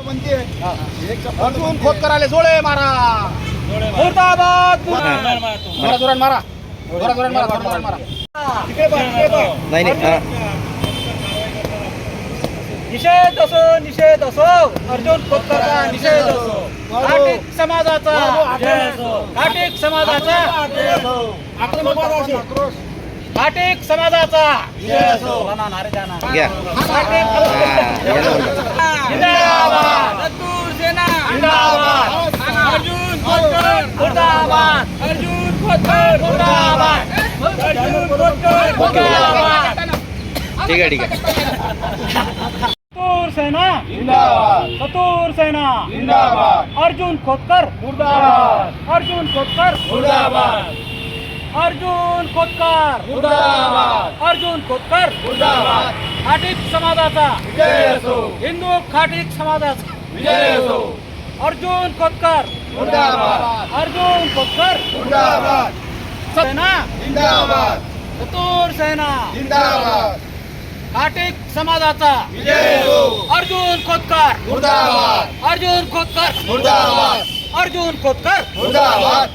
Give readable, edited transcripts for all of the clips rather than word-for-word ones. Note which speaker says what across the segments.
Speaker 1: बनते अर्जुन खोतकराले जोडे मारा मुर्दाबाद जोरात मारा जोरात मारा तिकडे
Speaker 2: नाही
Speaker 3: निषेध असो अर्जुन खोतकरचा निषेध असो घाटिक समाजाचा घाटिक समाजाचा घाटिक समाजाचा नारे जाना जिंदाबाद जिंदाबाद अर्जुन खोतकर मुर्दाबाद अर्जुन खोतकर मुर्दाबाद अर्जुन खोतकर मुर्दाबाद
Speaker 2: ठीक आहे
Speaker 3: चतुर सेना
Speaker 1: जिंदाबाद
Speaker 3: चतुर सेना
Speaker 1: जिंदाबाद
Speaker 3: अर्जुन खोतकर
Speaker 1: मुर्दाबाद
Speaker 3: अर्जुन खोतकर
Speaker 1: मुर्दाबाद
Speaker 3: अर्जुन खोतकर
Speaker 1: मुर्दाबाद
Speaker 3: अर्जुन खोतकर
Speaker 1: मुर्दाबाद
Speaker 3: खाटीक समाजाचा
Speaker 1: विजय असो
Speaker 3: हिंदू खाटीक समाजाचा
Speaker 1: विजय असो
Speaker 3: अर्जुन खोतकर
Speaker 1: मुर्दाबाद
Speaker 3: अर्जुन खोतकर
Speaker 1: मुर्दाबाद
Speaker 3: सेना
Speaker 1: जिंदाबाद
Speaker 3: चतुर सेना
Speaker 1: जिंदाबाद
Speaker 3: खाटीक समाजाचा
Speaker 1: विजय असो
Speaker 3: अर्जुन खोतकर
Speaker 1: मुर्दाबाद
Speaker 3: अर्जुन खोतकर
Speaker 1: मुर्दाबाद
Speaker 3: अर्जुन खोतकर
Speaker 1: मुर्दाबाद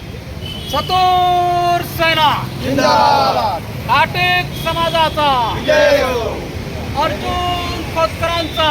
Speaker 3: चतुर सेना
Speaker 1: जिंदाबाद
Speaker 3: खाटीक समाजाचा
Speaker 1: विजय असो
Speaker 3: अर्जुन खोतकरांचा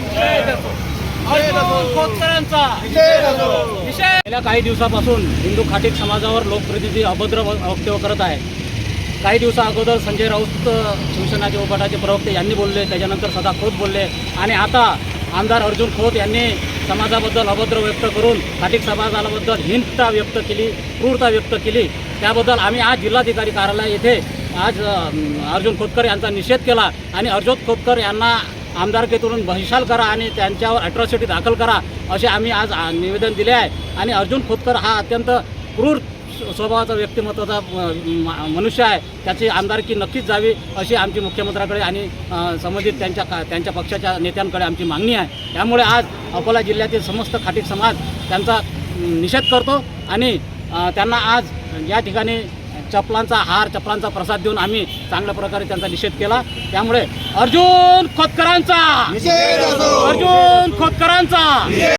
Speaker 3: अर्जुन खोतकरांचा
Speaker 1: विजय असो
Speaker 3: विषय गेल्या काही दिवसापासून हिंदू खाटीक समाजावर लोकप्रतिनिधी अभद्र वक्तव्य करत आहे. काही दिवसा अगोदर संजय राऊत शिवसेनाचे उपगटाचे प्रवक्ते यांनी बोलले, त्याच्यानंतर सदा खोत बोलले आणि आता आमदार अर्जुन खोत यांनी समाजाबद्दल अभद्र व्यक्त करून खाटीक समाजाबद्दल हिंसा व्यक्त केली, क्रूरता व्यक्त केली. त्याबद्दल आम्ही आज जिल्हाधिकारी कार्यालय येथे आज अर्जुन खोतकर यांचा निषेध केला आणि अर्जुन खोतकर यांना आमदारकीतून बहिष्कार करा आणि त्यांच्यावर अॅट्रॉसिटी दाखल करा असे आम्ही आज निवेदन दिले आहे. आणि अर्जुन खोतकर हा अत्यंत क्रूर स्वभावाचा व्यक्तिमत्वाचा मनुष्य आहे. त्याची आमदारकी नक्कीच जावी अशी आमची मुख्यमंत्र्याकडे आणि संबंधित त्यांच्या पक्षाच्या नेत्यांकडे आमची मागणी आहे. त्यामुळे आज अकोला जिल्ह्यातील समस्त खाटीक समाज त्यांचा निषेध करतो आणि त्यांना आज या ठिकाणी चपलांचा हार, चपलांचा प्रसाद देऊन आम्ही चांगल्या प्रकारे त्यांचा निषेध केला. त्यामुळे अर्जुन खोतकरांचा
Speaker 1: विजय असो
Speaker 3: अर्जुन खोतकरांचा